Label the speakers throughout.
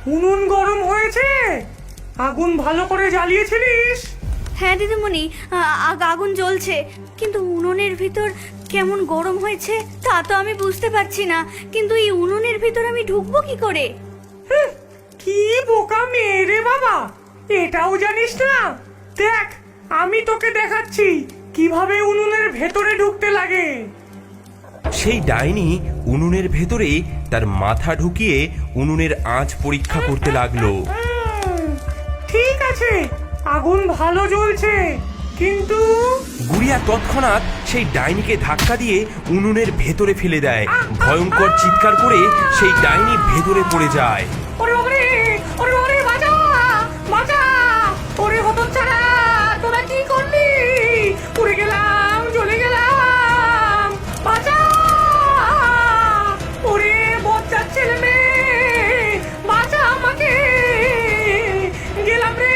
Speaker 1: উনুন গরম হয়েছে? আগুন ভালো করে জ্বালিয়েছিলিস?
Speaker 2: হ্যাঁ দিদিমণি, আগুন জ্বলছে, কিন্তু উনুনের ভিতর কেমন গরম হয়েছে তা তো আমি বুঝতে পারছি না। কিন্তু এই উনুনের ভিতর আমি ঢুকবো কি করে?
Speaker 1: কি বোকা মেয়ে রে বাবা, এটাও জানিস না? দেখ, আমি তোকে দেখাচ্ছি কিভাবে উনুনের ভেতরে ঢুকতে লাগে।
Speaker 3: সেই ডাইনি উনুনের ভেতরে তার মাথা ঢুকিয়ে উনুনের আঁচ পরীক্ষা করতে লাগলো।
Speaker 1: ঠিক আছে, আগুন ভালো জ্বলছে, কিন্তু
Speaker 3: গুড়িয়া তৎক্ষণাৎ সেই ডাইনিকে ধাক্কা দিয়ে উনুনের ভেতরে ফেলে দেয়। ভয়ঙ্কর চিৎকার করে সেই ডাইনি ভেতরে পড়ে যায়।
Speaker 1: ওরে ওরে, ওরে ওরে, বাঁচা বাঁচা! ওরে হতচ্ছাড়া, তোরা কি করলি? উড়ে গেলাম, চলে গেলাম, বাঁচা! ওরে বজ্জাত ছেলে মেয়ে, বাঁচা আমাকে, গেলাম রে!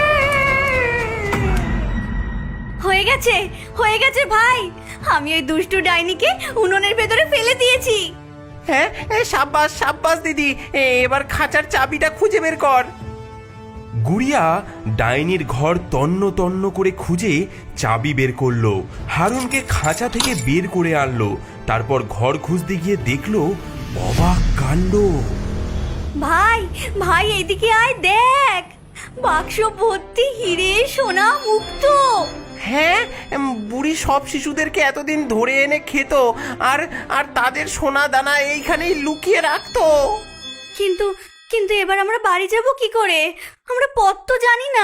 Speaker 2: হয়ে গেছে, হয়ে গেছে ভাই, আমি ওই দুষ্টু ডাইনিকে উনুনের ভেতরে ফেলে দিয়েছি।
Speaker 4: হ্যাঁ, সাব্বাস সাব্বাস দিদি, এবার খাঁচার চাবিটা খুঁজে বের কর।
Speaker 3: গুড়িয়া ডাইনির ঘর তন্ন তন্ন করে খুঁজে চাবি বের করলো, হারুনকে খাঁচা থেকে বের করে আনলো। তারপর ঘর খুঁজতে গিয়ে দেখলো অবাক কাণ্ড।
Speaker 2: ভাই ভাই এদিকে আয়, দেখ, বাক্স ভর্তি হিরে সোনা মুক্ত।
Speaker 4: হ্যাঁ, বুড়ি সব শিশুদেরকে এতদিন ধরে এনে খেত, আর আর তাদের সোনা দানা এইখানেই লুকিয়ে রাখতো।
Speaker 2: কিন্তু কিন্তু এবার আমরা বাড়ি যাব কি করে? আমরা পথ তো জানি না।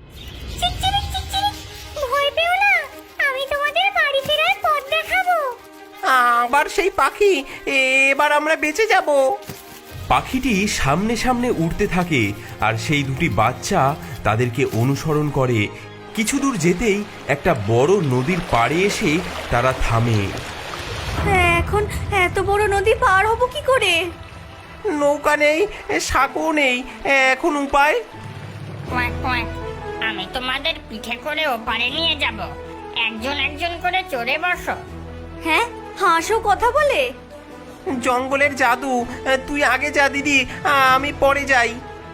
Speaker 2: ভয় পেও না, আমি তোমাদের বাড়ি ফেরার পথ দেখাবো।
Speaker 4: আবার সেই পাখি, এবার আমরা বেঁচে যাব।
Speaker 3: পাখিটি সামনে সামনে উড়তে থাকে, আর সেই দুটি বাচ্চা তাদেরকে অনুসরণ করে। কিছু দূর যেতেই একটা বড় নদীর পাড়ে এসে তারা থামে।
Speaker 2: এখন এত বড় নদী পার হব কি করে?
Speaker 4: নৌকা নেই, সাঁকো নেই, এখন উপায়?
Speaker 5: কোয়াক কোয়াক, আমি তোমাদের পিঠে করে ওপারে নিয়ে যাব। একজন একজন করে চড়ে বসো।
Speaker 2: হ্যাঁ, হাঁসও কথা বলে?
Speaker 4: জঙ্গলের জাদু, তুই আগে যা দিদি, আমি পরে যাই।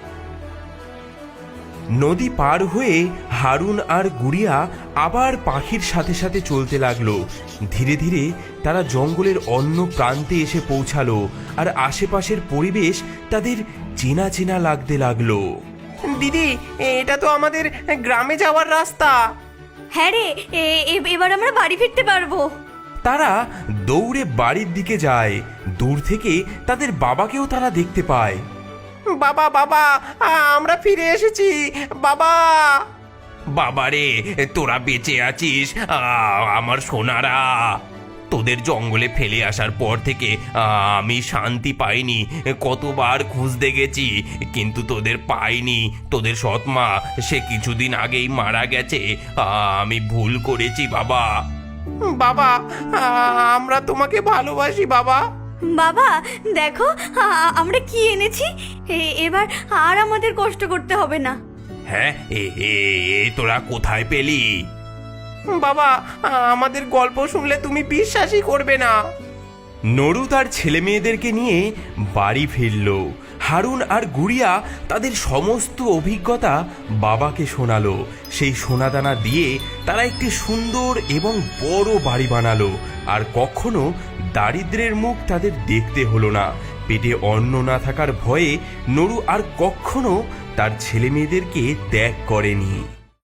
Speaker 3: নদী পার হয়ে হারুন আর গুড়িয়া আবার পাখির সাথে সাথে চলতে লাগলো। ধীরে ধীরে তারা জঙ্গলের অন্য প্রান্তে এসে পৌঁছালো, আর আশেপাশের পরিবেশ তাদের চেনা চেনা লাগতে লাগলো।
Speaker 4: দিদি, এটা তো আমাদের গ্রামে যাওয়ার রাস্তা।
Speaker 2: হ্যাঁ রে, এবার আমরা বাড়ি ফিরতে পারবো।
Speaker 3: তারা দৌড়ে বাড়ির দিকে যায়। দূর থেকে তাদের বাবাকেও তারা দেখতে পায়।
Speaker 4: বাবা বাবা, আমরা ফিরে এসেছি বাবা।
Speaker 3: বাবারে, তোরা বেঁচে আছিস? আমার সোনারা, তোদের জঙ্গলে ফেলে আসার পর থেকে আমি শান্তি পাইনি। কতবার খুঁজতে গেছি, কিন্তু তোদের পাইনি। তোদের সৎমা সে কিছুদিন আগেই মারা গেছে। আমি ভুল করেছি বাবা।
Speaker 4: বাবা, আমরা তোমাকে ভালোবাসি বাবা।
Speaker 2: বাবা দেখো, আমরা কি এনেছি। এবার আর আমাদের কষ্ট করতে হবে না।
Speaker 3: হ্যাঁ, তোরা কোথায় পেলি?
Speaker 4: বাবা, আমাদের গল্প শুনলে তুমি বিশ্বাসই করবে না।
Speaker 3: নরু তার ছেলে মেয়েদেরকে নিয়ে বাড়ি ফিরল। হারুন আর গুড়িয়া তাদের সমস্ত অভিজ্ঞতা বাবাকে শোনালো। সেই সোনাদানা দিয়ে তারা একটি সুন্দর এবং বড় বাড়ি বানালো, আর কখনো দারিদ্র্যের মুখ তাদের দেখতে হলো না। পেটে অন্ন না থাকার ভয়ে নরু আর কখনো তার ছেলে মেয়েদেরকে ত্যাগ করেনি।